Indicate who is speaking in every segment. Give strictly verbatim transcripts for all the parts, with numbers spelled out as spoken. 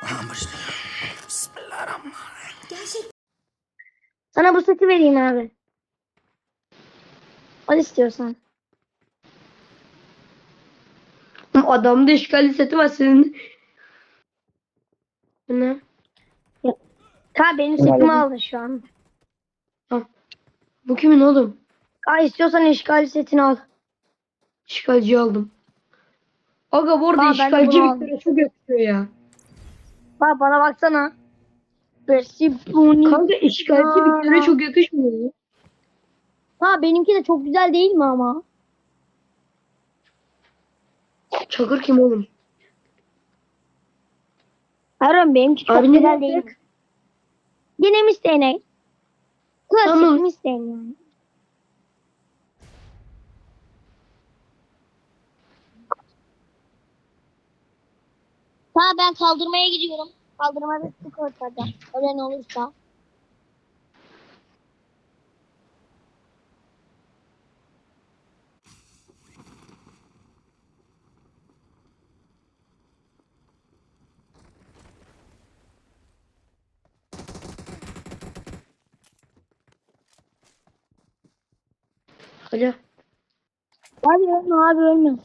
Speaker 1: Bismillahirrahmanirrahim.
Speaker 2: Sana bu seti vereyim abi. Al istiyorsan.
Speaker 3: Adamda işgal seti var senin. Bu ne?
Speaker 2: Ta benim setimi aldın şu an.
Speaker 3: Bu kimin oğlum?
Speaker 2: Aa, istiyorsan işgal setini al.
Speaker 3: İşgalci aldım. Aga bu arada
Speaker 2: Aa, ben de
Speaker 3: işgalci
Speaker 2: bunu aldım.
Speaker 3: Victor'a çok yakışıyor ya.
Speaker 2: Bak bana baksana. Persipuni.
Speaker 3: Kanka işgalci Victor'a çok yakışmıyor mu?
Speaker 2: Ha, benimki de çok güzel değil mi ama?
Speaker 3: Çakır kim oğlum?
Speaker 2: Harun benimki çok
Speaker 3: Abi ne
Speaker 2: güzel değil mi?
Speaker 3: yapacak?
Speaker 2: Yine mi isteyene? Klasik
Speaker 3: Tamam.
Speaker 2: mi isteyene yani? Ha, ben kaldırmaya gidiyorum. Kaldırmada sık ortada. Ölen olursa.
Speaker 3: Alo.
Speaker 2: Abi ölme, abi ölme.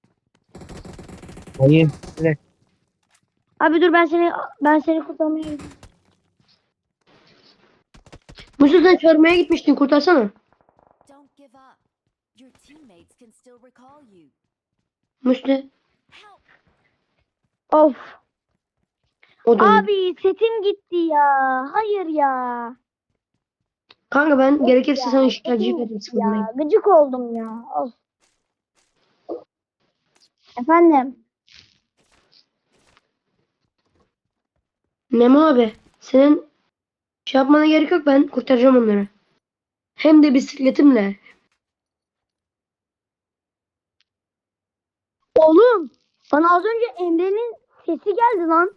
Speaker 4: Hayır. Evet.
Speaker 2: Abi dur, ben seni ben seni kurtarmaya gidiyorum.
Speaker 3: Musul sen çağırmaya gitmiştin, kurtarsana.
Speaker 1: Don't give up. Your teammates can still recall you.
Speaker 3: Musul.
Speaker 1: Help!
Speaker 2: Of.
Speaker 3: O da öyle.
Speaker 2: Abi setim gitti ya. Hayır ya.
Speaker 3: Kanka ben gerekirse
Speaker 2: Ya,
Speaker 3: sana işgalci
Speaker 2: setim
Speaker 3: veririm,
Speaker 2: gitti
Speaker 3: sıkıntı
Speaker 2: ya. Gıcık oldum ya. Of. Efendim.
Speaker 3: Memo abi, senin şey yapmana gerek yok, ben kurtaracağım onları. Hem de bisikletimle.
Speaker 2: Oğlum. Bana az önce Emre'nin sesi geldi lan.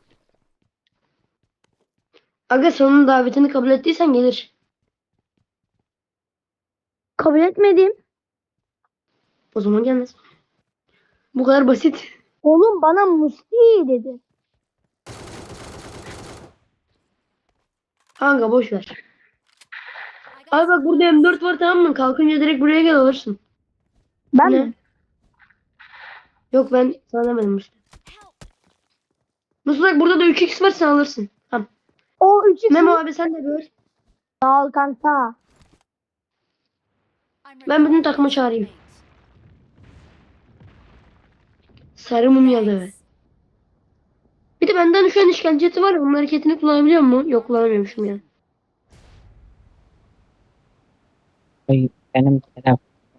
Speaker 3: Aga sen onun davetini kabul ettiysen gelir.
Speaker 2: Kabul etmedim.
Speaker 3: O zaman gelmez. Bu kadar basit.
Speaker 2: Oğlum bana Musti dedi.
Speaker 3: Kanka boş ver.
Speaker 1: I got
Speaker 3: Abi bak burada M dört var, tamam mı? Kalkınca direkt buraya gel alırsın.
Speaker 2: Ben
Speaker 3: Ne?
Speaker 2: mi?
Speaker 3: Yok ben sana demedim Musul.
Speaker 1: help!
Speaker 3: Musul bak burada da üç x var, sen alırsın. Tamam.
Speaker 2: O üç
Speaker 3: Memo
Speaker 2: x
Speaker 3: abi sen de gör.
Speaker 2: Sağ ol kanka.
Speaker 1: I'm
Speaker 3: Ben bütün
Speaker 1: recalling
Speaker 3: takımı
Speaker 1: a
Speaker 3: çağırayım.
Speaker 1: teammate.
Speaker 3: Sarı mumyalı.
Speaker 1: Thanks.
Speaker 3: Bir de benden şu an işgalci jeti var ya, onun hareketini kullanabiliyor mu? Yok, kullanamıyormuşum ya.
Speaker 4: Hayır. Benim selam.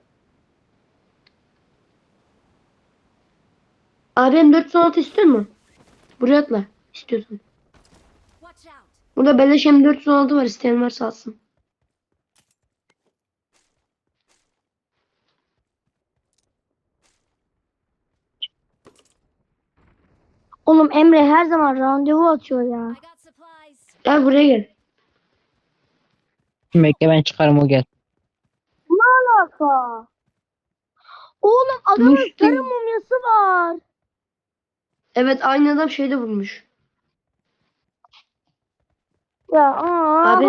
Speaker 3: Abi M dört yüz on altı istiyor mu? Buraya atla. İstiyorsan.
Speaker 1: Watch out!
Speaker 3: Burada beleş M dört yüz on altı var, isteyen varsa alsın.
Speaker 2: Oğlum Emre her zaman randevu atıyor ya.
Speaker 1: I got supplies.
Speaker 3: Gel buraya gel.
Speaker 4: Bekle ben çıkarım o gel.
Speaker 2: Ne alaka? Oğlum adamın
Speaker 3: Musti.
Speaker 2: sarı mumyası var.
Speaker 3: Evet, aynı adam şeyde bulmuş.
Speaker 2: Ya aa.
Speaker 3: Abi.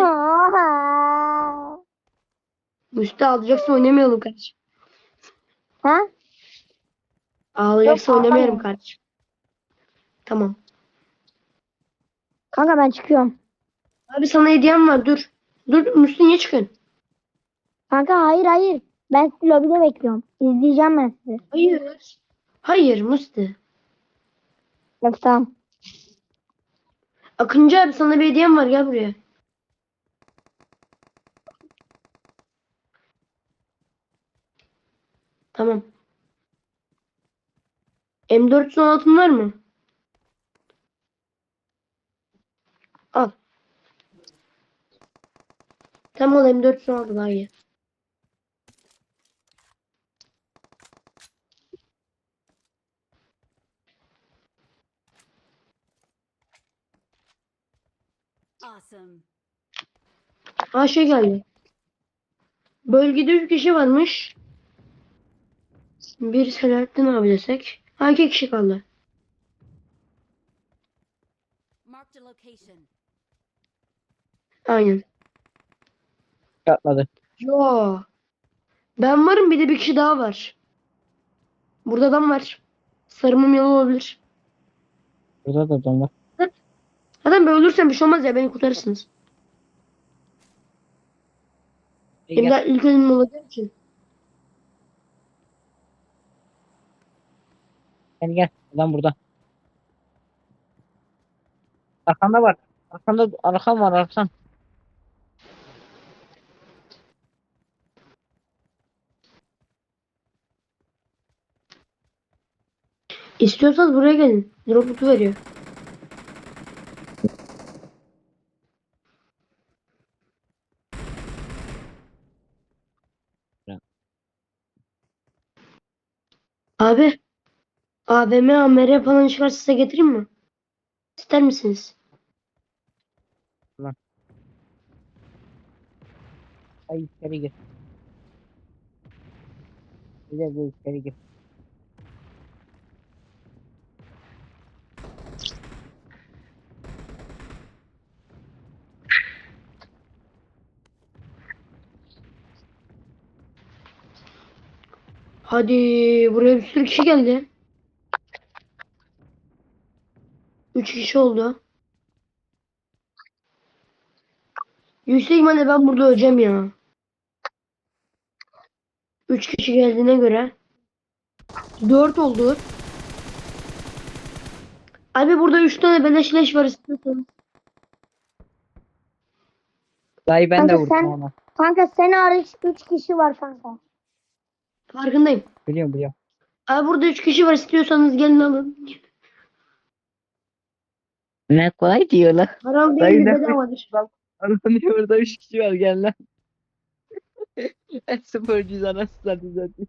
Speaker 3: Musti ağlayacaksın, oynamayalım kardeşim.
Speaker 2: Ha?
Speaker 3: Ağlayacaksın,
Speaker 2: Yok,
Speaker 3: oynamayalım
Speaker 2: ağlamıyorum.
Speaker 3: kardeşim. Tamam.
Speaker 2: Kanka ben çıkıyorum.
Speaker 3: Abi sana hediyem var, dur. Dur Musti, niye çıkıyorsun?
Speaker 2: Kanka hayır hayır. Ben sizi lobide bekliyorum. İzleyeceğim ben sizi.
Speaker 3: Hayır. Hayır Musti.
Speaker 2: Yok tamam.
Speaker 3: Akıncı abi, sana bir hediyem var, gel buraya. Tamam. M dört yüz on altın var mı? Al. Tamam, al M dört yüz on altı daha iyi.
Speaker 1: Awesome.
Speaker 3: Ha şey geldi. Bölgede üç kişi varmış. Bir Selahattin abi desek. Ha iki kişi kaldı.
Speaker 1: Marked a location.
Speaker 3: Aynen.
Speaker 4: Atladı.
Speaker 3: Yo. Ben varım, bir de bir kişi daha var. Burada adam var. Sarı mumyalı olabilir.
Speaker 4: Burada da adam var.
Speaker 3: Zaten ben ölürsem bir şey olmaz ya, beni kurtarırsınız.
Speaker 4: Gel,
Speaker 3: Benim
Speaker 4: gel.
Speaker 3: daha ilk ölümüm olacak için.
Speaker 4: Gel gel. Adam burada. Arkanda var. Arkanda arkam var arkan.
Speaker 3: İstiyorsanız buraya gelin. Drop kutu veriyor.
Speaker 4: Ya.
Speaker 3: Abi. A V M, A M R falan çıkarsa size getireyim mi? İster misiniz?
Speaker 4: Ay içeri gir. Güzel bir içeri gir.
Speaker 3: Hadi, buraya bir sürü kişi geldi. Üç kişi oldu. Yüksek ihtimalle ben burada öleceğim ya. Üç kişi geldiğine göre. Dört oldu. Abi burada üç tane beleş leş var istiyorsanız.
Speaker 4: Dayı ben de
Speaker 2: Kanka
Speaker 4: vurdum
Speaker 2: sen,
Speaker 4: ona.
Speaker 2: kanka sen hariç üç kişi var kanka.
Speaker 3: Farkındayım.
Speaker 4: Biliyorum biliyorum.
Speaker 3: Abi burada üç kişi var, istiyorsanız gelin alın.
Speaker 4: Ne kolay diyorlar.
Speaker 3: Haram
Speaker 4: Dayı
Speaker 3: değil,
Speaker 4: ne
Speaker 3: bedavadır.
Speaker 4: anlatıyor orada üç kişi var gel lan. En sporcuyuz anasını satayım zaten.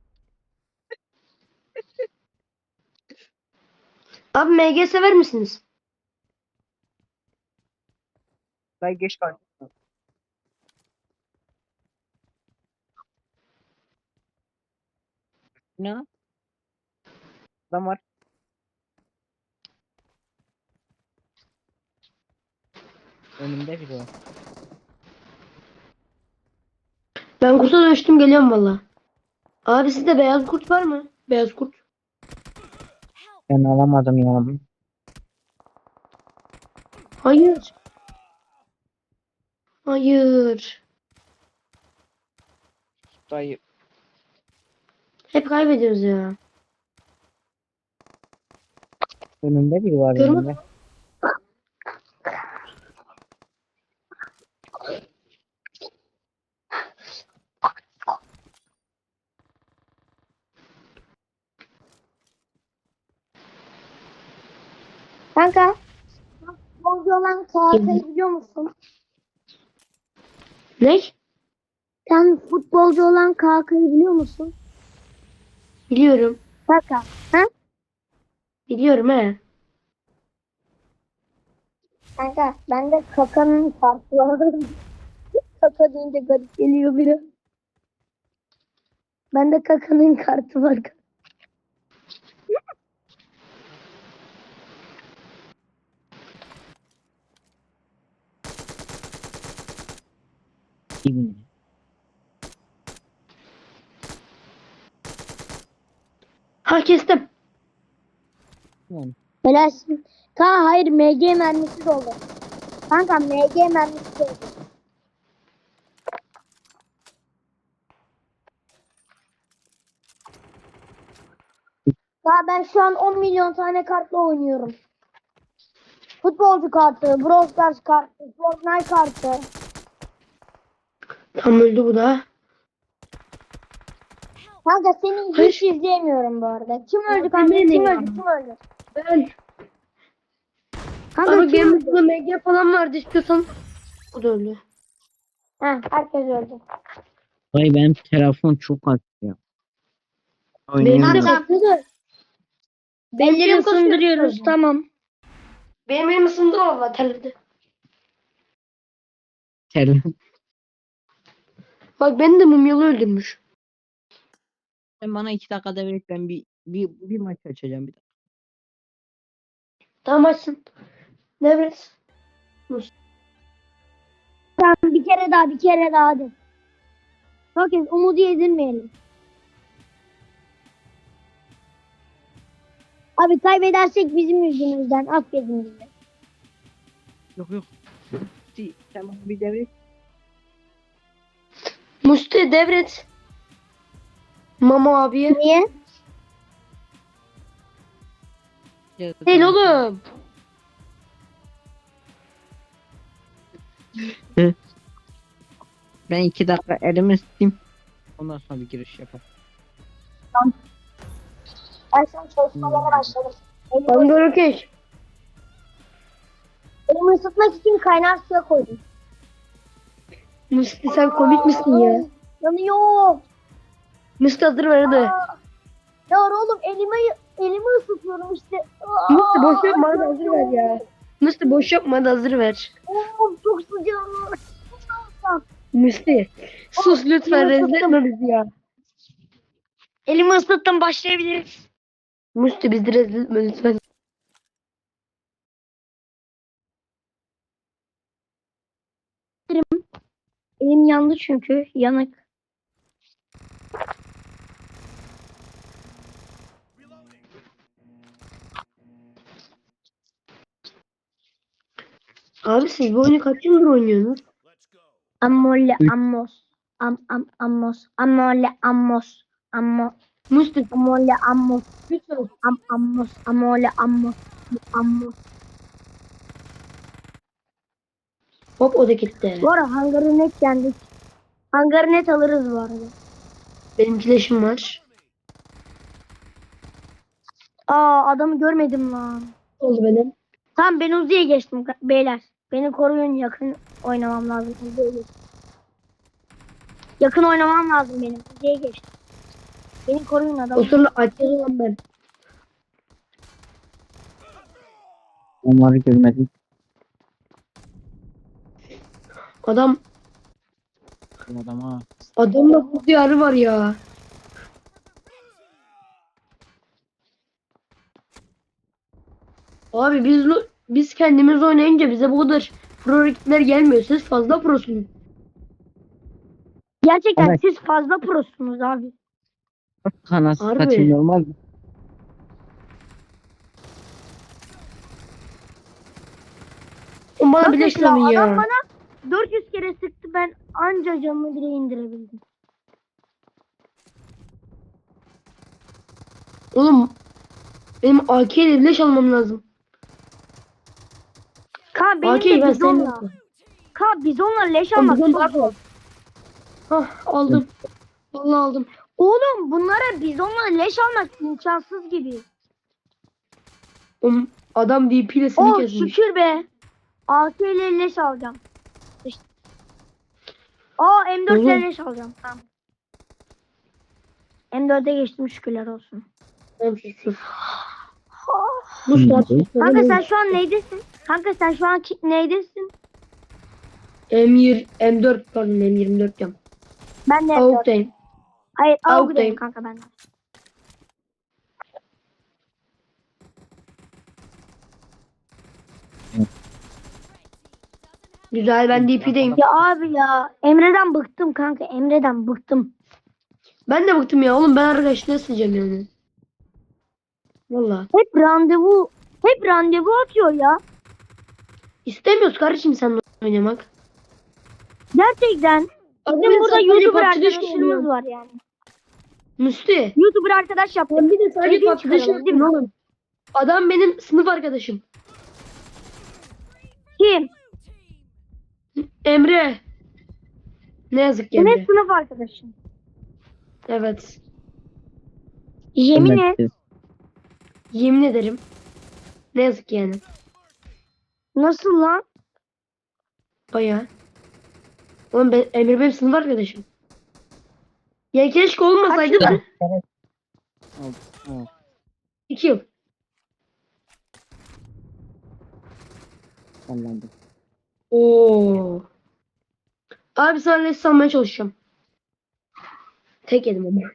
Speaker 3: Abi M G sever misiniz?
Speaker 4: Dayı geç kalk. Ne? Adam var. Önümde biri var.
Speaker 3: Ben kurta dönüştüm, geliyorum valla. Abi sizde beyaz kurt var mı? Beyaz kurt.
Speaker 4: Ben alamadım ya.
Speaker 3: Hayır. Hayır.
Speaker 4: Dayı.
Speaker 3: Hep kaybediyoruz ya.
Speaker 4: Önümde biri var
Speaker 3: Kırmızı.
Speaker 4: önümde.
Speaker 2: Kanka futbolcu olan Kağıtay'ı biliyor musun?
Speaker 3: Ne?
Speaker 2: Sen futbolcu olan Kağıtay'ı biliyor musun?
Speaker 3: Biliyorum.
Speaker 2: Kanka. Ha?
Speaker 3: Biliyorum he.
Speaker 2: Kanka bende Kaka'nın kartı var. Kaka deyince garip geliyor biri. Bende Kaka'nın kartı var.
Speaker 4: Gibi.
Speaker 3: Ha, kestim.
Speaker 4: Yani.
Speaker 2: Helalsin. Kanka hayır M G mermisi doldu. Kanka M G mermisi doldu. Daha ben şu an on milyon tane kartla oynuyorum. Futbolcu kartı, Brawl Stars kartı, Fortnite kartı.
Speaker 3: Tam öldü bu da.
Speaker 2: Kanka seni hiç
Speaker 3: Hayır.
Speaker 2: izleyemiyorum bu arada. Kim öldü
Speaker 3: Ya,
Speaker 2: kanka?
Speaker 3: yemin
Speaker 2: Kim
Speaker 3: ederim.
Speaker 2: öldü? Kim öldü?
Speaker 3: Ben.
Speaker 2: Kanka
Speaker 3: Ama
Speaker 2: kim
Speaker 3: benim
Speaker 2: öldü?
Speaker 3: burada M G falan vardı, istiyorsan. O da öldü.
Speaker 2: Heh, herkes öldü.
Speaker 4: Dayı benim telefon çok az ya.
Speaker 3: Benim de
Speaker 4: Oynayamıyorum.
Speaker 3: kasıyor.
Speaker 2: Kanka
Speaker 3: Benim
Speaker 2: elleri
Speaker 3: de kasıyor.
Speaker 2: ısındırıyoruz tamam.
Speaker 3: Benim elim ısındı valla, terledi.
Speaker 4: Telefon.
Speaker 3: Bak beni de mumyalı öldürmüş.
Speaker 4: Sen bana iki dakikada ver ben bir, bir, bir maç açacağım bir dakika.
Speaker 3: Tamam, açsın. Devret.
Speaker 2: Tamam, bir kere daha bir kere daha hadi. Bakın umudu yedirmeyelim. Abi kaybedersek bizim yüzümüzden affedin bizi.
Speaker 4: Yok yok. Musti sen bana bir devret.
Speaker 3: Musti devret. Mama abiye.
Speaker 2: Niye?
Speaker 3: Değil oğlum.
Speaker 4: Ben iki dakika elimi ısıtayım. Ondan sonra bir giriş yapalım.
Speaker 2: Ben şu an çalışmalara başladım.
Speaker 3: Ben böyle okey.
Speaker 2: Elimi ısıtmak için kaynar suya koydum.
Speaker 3: Musti sen komik misin ya?
Speaker 2: Yanıyor.
Speaker 3: Musti hazır ver hadi.
Speaker 2: Aa, ya oğlum elimi elimi ısıtıyorum işte. Aa,
Speaker 3: Musti boş yapma hadi hazır ver ya. Musti boş yapma hadi hazır ver.
Speaker 2: Oğlum çok sıcak.
Speaker 3: Musti sus lütfen rezil etme bizi ya.
Speaker 2: Elimi ısıttım, başlayabiliriz.
Speaker 3: Musti bizi rezil etme lütfen.
Speaker 2: Elim yandı çünkü yanık.
Speaker 3: Abi siz bu oyunu kaç yıldır oynuyorsunuz?
Speaker 2: Amolle amos. Am am amos. Amolle amos. Ammo.
Speaker 3: Musti
Speaker 2: Amolle amos.
Speaker 3: lütfen.
Speaker 2: Am amos. Amolle amos. Amos.
Speaker 3: Hop o da gitti.
Speaker 2: Bu ara hangarı net yendik. Hangarı net alırız bu arada.
Speaker 3: Benim flash'im var.
Speaker 2: Aa, adamı görmedim lan.
Speaker 3: Oldu benim.
Speaker 2: Tamam, ben Uzi'ye geçtim ka- beyler. Beni koruyun, yakın oynamam lazım. Uzi'ye geçtim. Yakın oynamam lazım benim. Uzi'ye geçtim. Beni koruyun
Speaker 3: O
Speaker 2: adam.
Speaker 3: sonra açacağız olan ben.
Speaker 4: Onları görmedim.
Speaker 3: Adam
Speaker 4: Bu adam ha.
Speaker 3: adamda bu diyarı var ya. Abi biz biz kendimiz oynayınca bize bu kadar pro rakipler gelmiyor. Siz fazla prosunuz.
Speaker 2: Gerçekten
Speaker 4: Evet.
Speaker 2: siz fazla prosunuz abi.
Speaker 4: Kanası
Speaker 3: Harbi.
Speaker 4: satayım normal mi?
Speaker 3: O bana
Speaker 2: Bakın
Speaker 3: bile
Speaker 2: ya,
Speaker 3: işlemi ya.
Speaker 2: adam bana dört yüz kere sıktı, ben anca canını bile indirebildim.
Speaker 3: Oğlum benim A K ile leş almam lazım.
Speaker 2: Ka benim
Speaker 3: A K'yi
Speaker 2: de
Speaker 3: ben
Speaker 2: bizonla.
Speaker 3: sevmiyorum.
Speaker 2: Ka bizonla leş
Speaker 3: Oğlum
Speaker 2: almak
Speaker 3: bizon
Speaker 2: çok
Speaker 3: daha
Speaker 2: zor.
Speaker 3: kolay. Hah aldım. Vallahi aldım.
Speaker 2: Oğlum bunlara bizonla leş almak imkansız gibi.
Speaker 3: Oğlum adam V P ile seni
Speaker 2: Oh
Speaker 3: kesmiş.
Speaker 2: şükür be. A K ile leş alacağım. İşte. Aa M dört ile
Speaker 3: Oğlum.
Speaker 2: leş alacağım. Tamam. M dört'e geçtim, şükürler olsun.
Speaker 3: Tamam sus sus. Bu saat sus.
Speaker 2: Kanka sen şu an neydesin? Kanka sen şu an ki- neydesin?
Speaker 3: M yirmi, M dört pardon M yirmi dört diyorum.
Speaker 2: Ben de M dört.
Speaker 3: Avuktayım.
Speaker 2: Hayır
Speaker 3: Avuktayım.
Speaker 2: Aug'dayım kanka ben de.
Speaker 3: Güzel ben D P'deyim.
Speaker 2: Ya abi ya Emre'den bıktım kanka, Emre'den bıktım.
Speaker 3: Ben de bıktım ya oğlum ben arkadaş ne sileceğim yani. Valla.
Speaker 2: Hep randevu hep randevu atıyor ya.
Speaker 3: İstemiyoruz kardeşim seninle oynamak.
Speaker 2: Gerçekten.
Speaker 3: Abi
Speaker 2: Bizim burada YouTuber
Speaker 3: arkadaşımız
Speaker 2: arkadaşlarımız var yani.
Speaker 3: Müsti.
Speaker 2: YouTuber arkadaş yaptık.
Speaker 3: Ben bir de sadece
Speaker 2: Hepiniz
Speaker 3: arkadaşım
Speaker 2: çıkaralım,
Speaker 3: değil mi oğlum? Adam benim sınıf arkadaşım.
Speaker 2: Kim?
Speaker 3: Emre. Ne yazık ki
Speaker 2: Senin
Speaker 3: Emre.
Speaker 2: sınıf arkadaşın.
Speaker 3: Evet.
Speaker 2: Yemin et.
Speaker 3: Yemin ederim. Ne yazık ki yani.
Speaker 2: Nasıl lan?
Speaker 3: Bayağı. Oğlum ben, Emre benim sınıf arkadaşım. Ya keşke olmasaydı da.
Speaker 4: Evet.
Speaker 3: İki yıl.
Speaker 4: Anladım.
Speaker 3: Oo. Abi sana les salmaya çalışacağım. Tek yedim ama.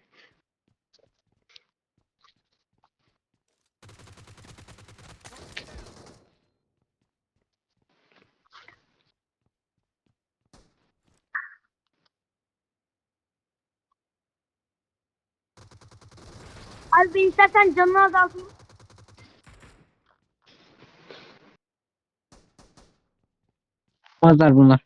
Speaker 2: Abi ben istersen canını azaltayım.
Speaker 4: Pazar bunlar.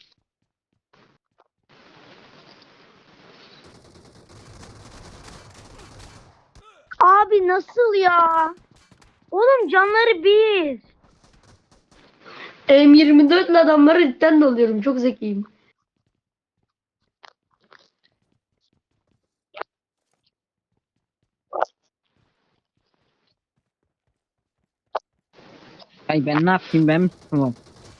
Speaker 2: Abi nasıl ya? Oğlum canları bir.
Speaker 3: M yirmi dört ile adamları cidden dalıyorum. Çok zekiyim.
Speaker 4: Ay ben ne yapayım, ben mi tutmam?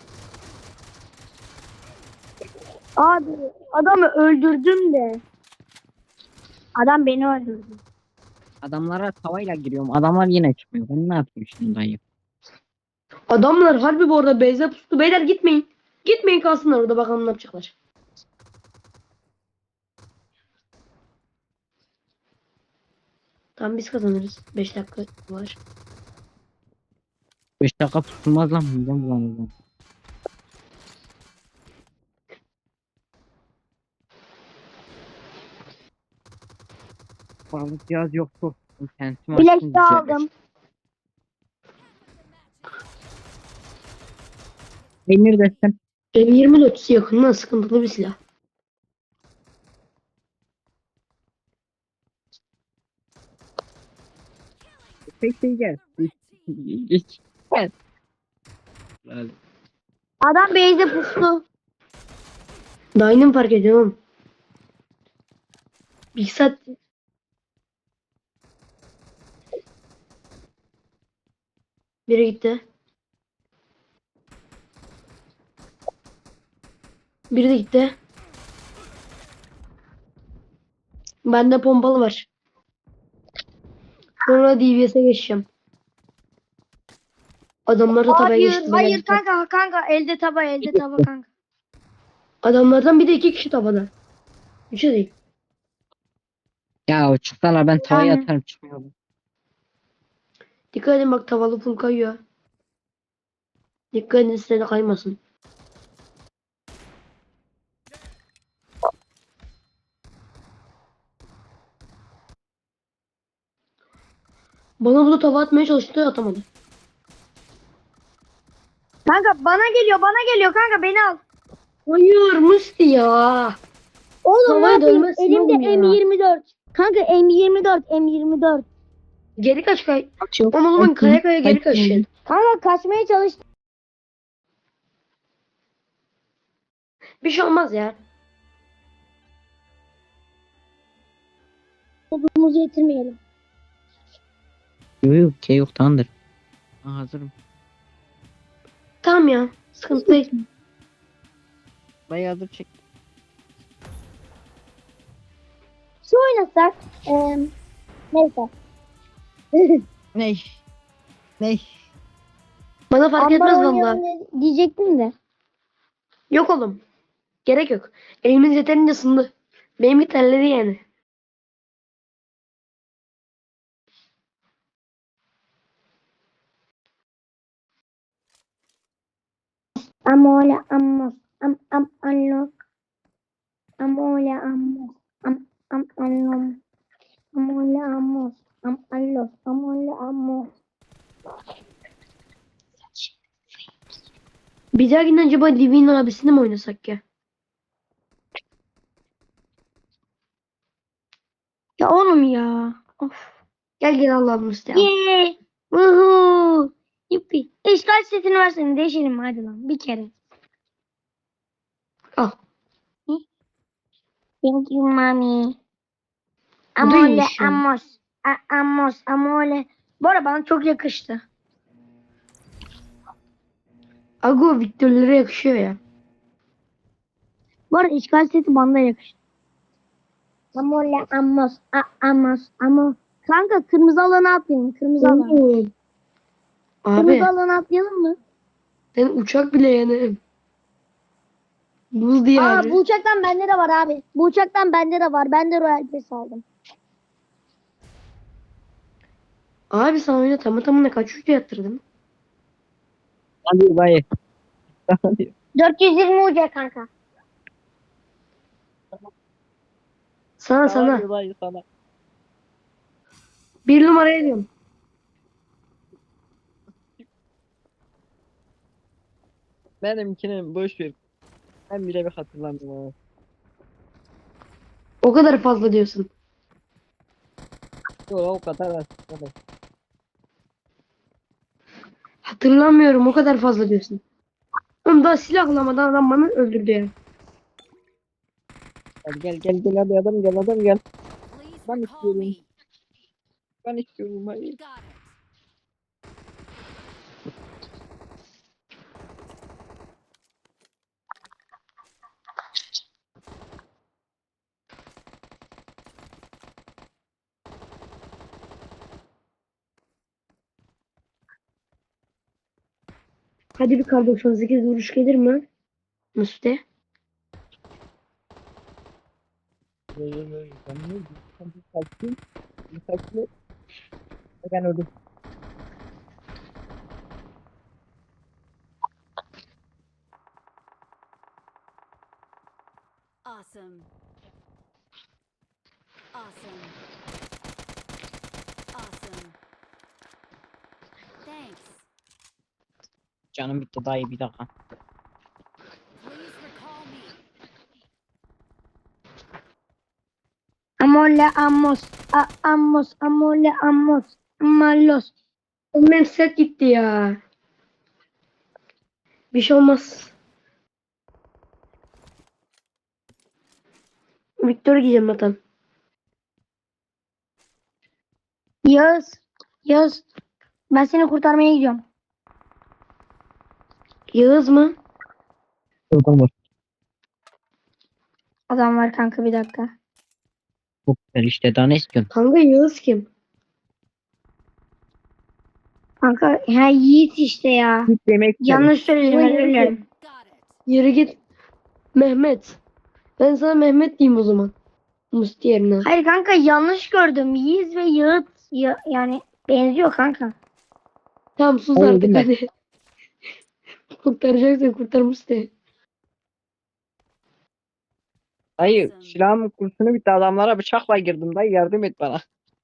Speaker 2: Abi adamı öldürdüm de. Adam beni öldürdü.
Speaker 4: Adamlara tavayla giriyorum. Adamlar yine çıkmıyor. Ben ne yapayım şimdi dayı?
Speaker 3: Adamlar harbi bu arada base'e pustu. Beyler gitmeyin. Gitmeyin, kalsınlar orada, bakalım ne yapacaklar. Tamam, biz kazanırız. beş dakika var.
Speaker 4: beş dakika tutulmaz lan. Midem bulanır. Sağlık cihaz yoktu. İnternetim
Speaker 2: Bilek
Speaker 4: açtım,
Speaker 2: de
Speaker 4: düzelir.
Speaker 2: aldım.
Speaker 4: Emir desem.
Speaker 3: M yirmi dört yakından sıkıntılı bir silah.
Speaker 4: Pek şey gel. Geç. Gel. Hadi.
Speaker 2: Adam base'e pustu.
Speaker 3: Daha yeni mi fark ediyorum? Bir saat. Biri gitti. Biri de gitti. Bende pompalı var. Sonra D B S'e geçeceğim. Adamlar da tabaya
Speaker 2: Hayır,
Speaker 3: geçti.
Speaker 2: hayır kanka kanka elde taba elde taba kanka.
Speaker 3: Adamlardan bir de iki kişi tabada. Üçe değil.
Speaker 4: Ya o çıksalar ben tavaya
Speaker 2: Yani.
Speaker 4: atarım, çıkmıyor.
Speaker 3: Dikkat edin, bak tavalı full kayıyor. Dikkat edin size de kaymasın. Bana bunu tava atmaya çalıştı, atamadı.
Speaker 2: Kanka bana geliyor bana geliyor kanka beni al.
Speaker 3: Hayır Musti ya.
Speaker 2: Oğlum ne
Speaker 3: Tavaya
Speaker 2: yapayım?
Speaker 3: dönmezsin
Speaker 2: Elimde
Speaker 3: oğlum ya.
Speaker 2: M yirmi dört. Kanka M yirmi dört M yirmi dört.
Speaker 3: Geri kaç kay.
Speaker 4: Kaçıyor.
Speaker 3: Ama o zaman kaya kaya geri kaçın.
Speaker 2: Kanka kaçmaya çalıştım.
Speaker 3: Bir şey olmaz ya.
Speaker 2: Odumuzu yitirmeyelim.
Speaker 4: Yok yok, şey yok, tamamdır. Ha, hazırım.
Speaker 3: Tamam ya. Sıkıntı değil.
Speaker 4: Dayı hazır çek.
Speaker 2: Şu oynasak. Eee neyse.
Speaker 4: Ney? Ney?
Speaker 3: Bana fark
Speaker 2: Ambar
Speaker 3: etmez
Speaker 2: oynayalım
Speaker 3: valla.
Speaker 2: de- diyecektim de.
Speaker 3: Yok oğlum. Gerek yok. Elimiz yeterince ısındı. Benimki terledi yani.
Speaker 2: Amole amos. Am am anlo. Amole amos. Am am anlo. Amole amos. Am allo. Amole amos.
Speaker 3: Bir dahakinden acaba Divine abisini mi oynasak ya?
Speaker 2: Ya oğlum ya. Of.
Speaker 3: Gel gel Allah'ım Musti al.
Speaker 2: Yeee. Vuhuu. Yuppi. İşgal setini versene değişelim hadi lan bir kere.
Speaker 3: Al.
Speaker 2: Thank you mommy.
Speaker 3: Bu da
Speaker 2: Amole
Speaker 3: iyiymiş ya.
Speaker 2: amos. A- amos amole. Bu arada bana çok yakıştı.
Speaker 3: Ago Victor'lara yakışıyor ya.
Speaker 2: Bu arada işgal seti bana da yakıştı. Amole amos. A- amos. Amos. Kanka kırmızı alana atlayalım. Kırmızı alan.
Speaker 3: Oğlum. Abi
Speaker 2: Kırmızı alana atlayalım mı?
Speaker 3: ben uçak bile yani. Buz
Speaker 2: Aa
Speaker 3: diyarı.
Speaker 2: bu uçaktan bende de var abi. Bu uçaktan bende de var. Ben de Royal Pass aldım.
Speaker 3: Abi sana oyuna tamı tamına kaç ucu yatırdın?
Speaker 4: Hadi dayı. Hadi.
Speaker 2: dört yüz yirmi uca kanka.
Speaker 3: Sana sana.
Speaker 4: Dayı sana.
Speaker 3: Bir numaraya diyorum.
Speaker 4: Benimkini boş ver. Ben bile bir hatırlamıyorum. ama.
Speaker 3: O kadar fazla diyorsun.
Speaker 4: Yok o kadar da. o kadar.
Speaker 3: Hatırlamıyorum, o kadar fazla diyorsun. Oğlum daha silahlamadan adam bana öldürdü ya.
Speaker 4: Hadi gel gel gel hadi adam gel adam gel.
Speaker 1: Please
Speaker 4: Ben
Speaker 1: recall
Speaker 4: istiyorum.
Speaker 1: me.
Speaker 4: Ben istiyorum hayır.
Speaker 1: Got it.
Speaker 3: Hadi bir kar doksan sekiz vuruş gelir mi? Musti.
Speaker 4: Ben ne diyeyim? Ben bir kaçayım. Bir kaçayım. Ben öldüm.
Speaker 1: Awesome. Awesome. Awesome. Thanks.
Speaker 4: Canım bitti dayı bir dakika.
Speaker 1: Please recall me.
Speaker 2: Amole amos. A amos. Amole amos. Amalos.
Speaker 3: Oğlum benim set gitti ya. Bir şey olmaz. Victor giyeceğim zaten.
Speaker 2: Yağız. Yağız. Ben seni kurtarmaya gidiyorum.
Speaker 3: Yağız mı?
Speaker 4: Oradan var.
Speaker 2: Adam var kanka, bir dakika.
Speaker 4: Çok güzel işte daha ne istiyorsun?
Speaker 3: Kanka Yağız kim?
Speaker 2: Kanka ha Yiğit işte ya.
Speaker 4: Git yemek yiyelim.
Speaker 2: Yanlış söyledim,
Speaker 3: Ama
Speaker 2: özür
Speaker 3: Yiğit
Speaker 2: dilerim.
Speaker 1: Got it.
Speaker 3: Yürü git. Mehmet. Ben sana Mehmet diyeyim o zaman. Musti yerine.
Speaker 2: Hayır kanka, yanlış gördüm. Yiğit ve Yağıt ya, yani benziyor kanka.
Speaker 3: Tamam sus
Speaker 4: Hayır,
Speaker 3: artık
Speaker 4: değil mi?
Speaker 3: hadi. Kurtaracaksın, kurtar Musti.
Speaker 4: Dayı
Speaker 1: Awesome.
Speaker 4: silahımın kurşunu bitti adamlara bıçakla girdim dayı yardım et bana.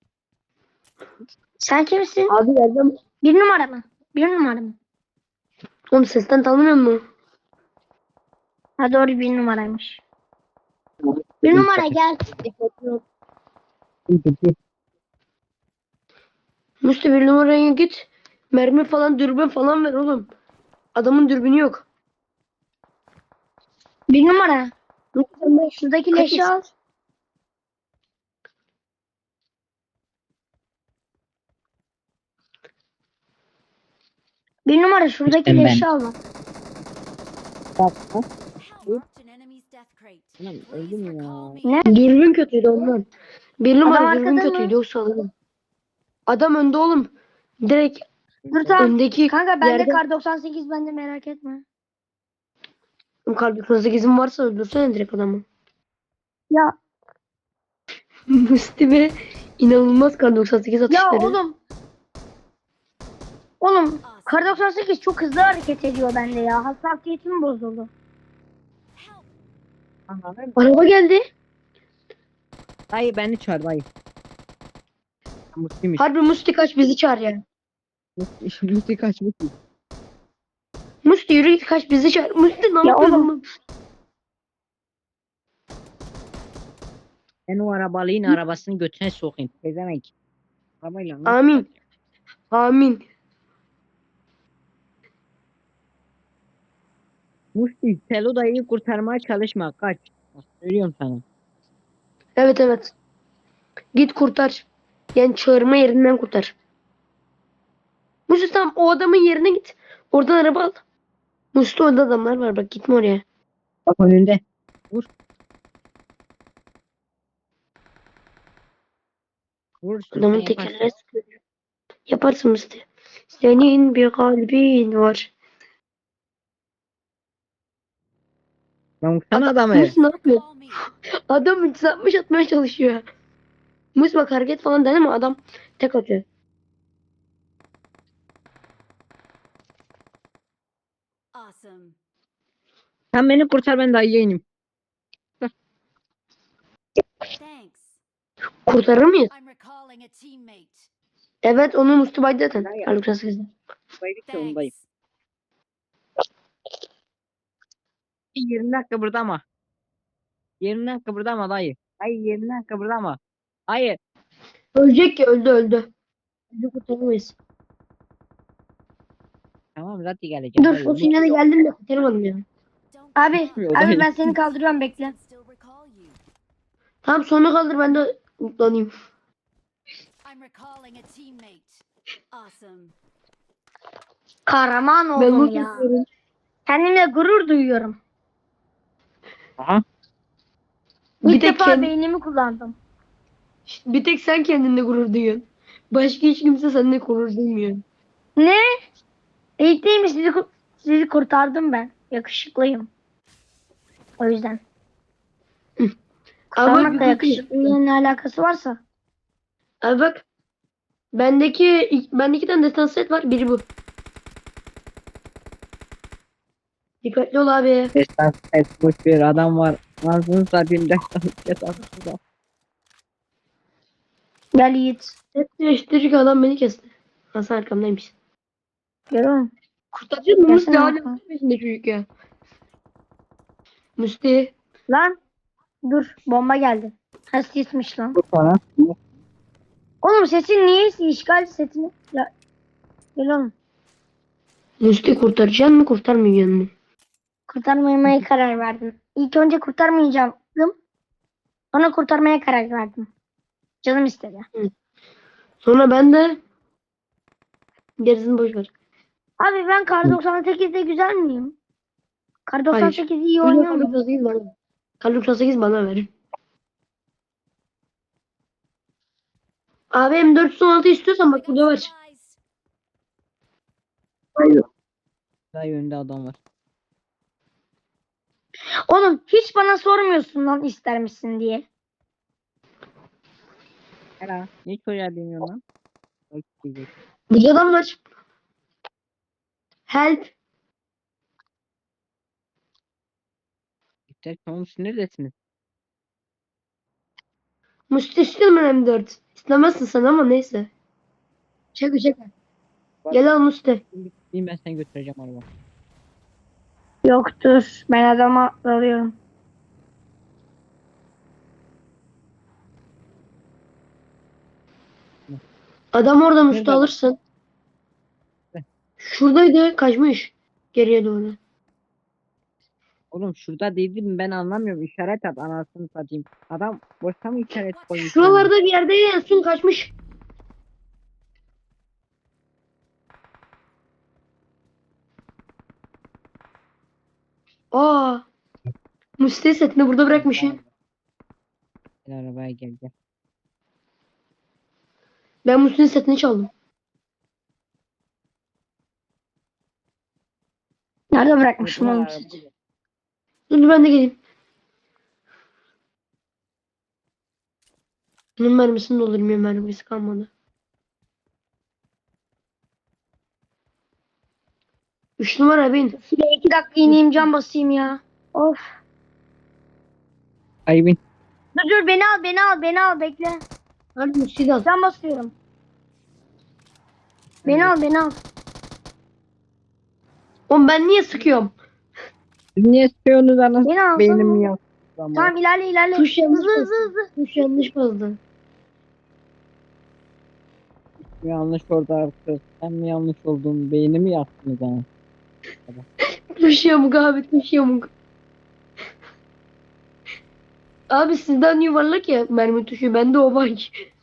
Speaker 2: Sen kimsin?
Speaker 3: Abi yerden...
Speaker 2: Bir numara mı? Bir numara mı?
Speaker 3: Oğlum sesten tanımıyor musun?
Speaker 2: Ha doğru, bir numaraymış. Bir numara gel.
Speaker 3: Musti bir numaraya git. Mermi falan, dürbün falan ver oğlum. Adamın dürbünü yok.
Speaker 2: Bir numara.
Speaker 3: Musti sen de
Speaker 2: Şuradaki
Speaker 3: kaç
Speaker 2: leşi al. Bir numara şuradaki
Speaker 4: İşte ben.
Speaker 2: leşi al bak.
Speaker 4: Bak, ha?
Speaker 1: Help. Marked an enemy's death crate.
Speaker 4: Ulan
Speaker 1: Please
Speaker 4: öldüm ya.
Speaker 1: recall me.
Speaker 2: Ne?
Speaker 3: dürbün kötüydü ondan. Bir numara
Speaker 2: Adam
Speaker 3: dürbün
Speaker 2: arkada mı?
Speaker 3: kötüydü yoksa alırım. Adam önde oğlum. Direkt
Speaker 2: Dur tamam.
Speaker 3: öndeki
Speaker 2: Kanka bende
Speaker 3: yerde.
Speaker 2: kar doksan sekiz, bende, merak etme.
Speaker 3: Kalbi kırmızı gezim varsa öldürsene direkt adamı.
Speaker 2: Ya
Speaker 3: Musti ve inanılmaz kar doksan sekiz
Speaker 2: ya
Speaker 3: atışları.
Speaker 2: oğlum. Oğlum
Speaker 1: Awesome.
Speaker 2: kar doksan sekiz çok hızlı hareket ediyor bende ya. Hassasiyetim bozuldu.
Speaker 1: Help.
Speaker 4: Anladın?
Speaker 3: Araba geldi.
Speaker 4: Dayı beni çağır dayı. Mutluymuş.
Speaker 3: Harbi Musti kaç bizi çağır yani.
Speaker 4: Mutlu kaç mutlu.
Speaker 3: Musti yürü git kaç bizi çağır. Musti ne
Speaker 2: Ya
Speaker 3: yapıyorsun
Speaker 2: oğlum.
Speaker 3: oğlum?
Speaker 4: Ben o arabalığın arabasını götüne sokayım. Gezemek. Arabayla nasıl
Speaker 3: Amin.
Speaker 4: yapacağım?
Speaker 3: Amin.
Speaker 4: Musti Selo dayıyı kurtarmaya çalışma. Kaç. Bak, söylüyorum sana.
Speaker 3: Evet evet. Git kurtar. Yani çağırma yerinden kurtar. Musti tamam o adamın yerine git. Oradan araba al. Musti orada adamlar var bak gitme oraya.
Speaker 4: Bak önünde. Vur. Vur istiyorsan
Speaker 3: Adamın
Speaker 4: yaparsın.
Speaker 3: tekerine sıkıyor. Yaparsın Musti. Senin bir kalbin var.
Speaker 4: Lan vursana
Speaker 3: Adam,
Speaker 4: adamı.
Speaker 3: Musti ne yapıyor?
Speaker 1: Recall me.
Speaker 3: Adam üç yüz altmış atmaya çalışıyor. Musti bak hareket falan deneme adam tek atıyor.
Speaker 1: Awesome.
Speaker 4: Sen beni kurtar ben dayıya ineyim.
Speaker 1: Thanks.
Speaker 3: Kurtarır mıyız?
Speaker 1: I'm recalling a teammate.
Speaker 3: Evet onu Musti baydı zaten.
Speaker 4: Hayır.
Speaker 3: Kar doksan sekizde.
Speaker 4: Baydık da ondayım.
Speaker 1: Thanks.
Speaker 4: yirmi dakika burada ama. yirmi dakika burada ama dayı. Hayır yirmi dakika burada ama. Hayır.
Speaker 3: Ölecek ki öldü öldü. Öldü kurtaramayız.
Speaker 4: Tamam zaten geleceğim.
Speaker 3: Dur
Speaker 4: dayı.
Speaker 3: o sinyale geldim de kurtaramadım ya.
Speaker 1: Don't
Speaker 2: Abi,
Speaker 1: give up.
Speaker 4: O da
Speaker 2: abi
Speaker 4: iyi.
Speaker 2: ben seni kaldırıyorum bekle.
Speaker 1: Can still recall you.
Speaker 3: Tamam sonra kaldır ben de mutlanayım.
Speaker 1: I'm recalling a teammate. Awesome.
Speaker 2: Kahraman
Speaker 3: Ben
Speaker 2: oldum
Speaker 3: bunu
Speaker 2: ya.
Speaker 3: istiyorum.
Speaker 2: Kendimle gurur duyuyorum.
Speaker 4: Aha.
Speaker 3: Bir
Speaker 2: İlk
Speaker 3: tek,
Speaker 2: defa
Speaker 3: kendi,
Speaker 2: beynimi kullandım.
Speaker 3: bir tek sen kendinle gurur duyuyorsun. Başka hiç kimse seninle gurur duymuyor.
Speaker 2: Ne? İlk değil mi? Sizi, ku- sizi kurtardım ben. Yakışıklıyım. O yüzden.
Speaker 3: Ama
Speaker 2: Kurtarmakla
Speaker 3: bir-
Speaker 2: yakışıklılığın ne alakası varsa.
Speaker 3: Abi bak. Bendeki bende iki tane destan set var. Biri bu. Dikkatli ol abi.
Speaker 4: Destan ses boş bir adam var. Nasıl satayım destan ses aslında.
Speaker 2: Gel Yiğit.
Speaker 3: Set değiştirecek adam beni kesti. Hasan arkamdaymış.
Speaker 2: Görüyor musun?
Speaker 3: Kurtaracak mı Musti?
Speaker 2: Gelsene
Speaker 3: Hala
Speaker 2: Hakan.
Speaker 3: peşinde çocuk ya. Musti.
Speaker 2: Lan. Dur. Bomba geldi. Ha sismiş lan.
Speaker 4: Bu sonra.
Speaker 2: Oğlum sesin niye işgal setini? Ya. Gel oğlum.
Speaker 3: Musti kurtaracaksın mı kurtarmayacaksın mı?
Speaker 2: Kurtarmamaya karar verdim. İlk önce kurtarmayacaktım. Sonra kurtarmaya karar verdim. Canım istedi.
Speaker 3: Sonra ben de gerisini boş ver.
Speaker 2: Abi ben Kar doksan sekizde güzel miyim? Kar doksan sekiz iyi
Speaker 3: Kar
Speaker 2: oynuyor mu?
Speaker 3: doksan sekiz bana. Kar doksan sekiz bana ver. Abi M dört yüz on altı istiyorsan
Speaker 1: I
Speaker 3: bak
Speaker 1: got
Speaker 3: burada var.
Speaker 1: supplies.
Speaker 4: Dayı önünde adam var.
Speaker 2: Oğlum hiç bana sormuyorsun lan ister misin diye.
Speaker 4: Hela. Niye çocuğa demiyor lan? Bak diyecek.
Speaker 3: Burada adam var. Help.
Speaker 4: İptal tamam neredesiniz?
Speaker 3: Musti istiyorum ben M dört. İstemezsin sen ama neyse. Çek çek. Gel al Musti.
Speaker 4: Şimdi ben seni götüreceğim araba.
Speaker 2: Yoktur. Ben adama alıyorum.
Speaker 3: Adam orada Musti
Speaker 4: Nerede?
Speaker 3: alırsın.
Speaker 4: Ne?
Speaker 3: Şuradaydı kaçmış. Geriye doğru.
Speaker 4: Oğlum şurada değildim ben anlamıyorum. İşaret at anasını satayım. Adam boşta mı işaret koymuş?
Speaker 3: Şuralarda bir yerde en son kaçmış. Aa. Musti setini burada bırakmışım.
Speaker 4: Gel arabaya gel gel.
Speaker 3: Ben Musti'nin setini çaldım.
Speaker 2: Nerede bırakmışım
Speaker 4: Burada
Speaker 2: oğlum
Speaker 4: araba-
Speaker 2: sizi?
Speaker 3: Dur dur ben de geleyim. Bunun mermisini doldurayım ya mermisi kalmadı. Üç numara bin.
Speaker 2: Şuraya iki dakika ineyim cam basayım ya. Of.
Speaker 4: Ay bin.
Speaker 2: Dur dur beni al beni al beni al bekle.
Speaker 3: Hadi Musti'yi al.
Speaker 2: Cam basıyorum. Beni al beni al.
Speaker 3: Oğlum ben niye sıkıyorum?
Speaker 4: Siz niye sıkıyorsunuz anasını?
Speaker 2: Beni al.
Speaker 4: Beynim yok.
Speaker 2: Tamam ilerle ilerle.
Speaker 3: Tuş yanlış
Speaker 2: Hızlı hızlı
Speaker 3: bastı.
Speaker 2: hızlı.
Speaker 3: Tuş yanlış bastı.
Speaker 4: Yanlış orada artık. Ben mi yanlış oldum? Beynimi yaktınız ha.
Speaker 3: Tuş yamuk abi tuş yamuk. Abi sizden yuvarlak ya mermi tuşu. Bende o var.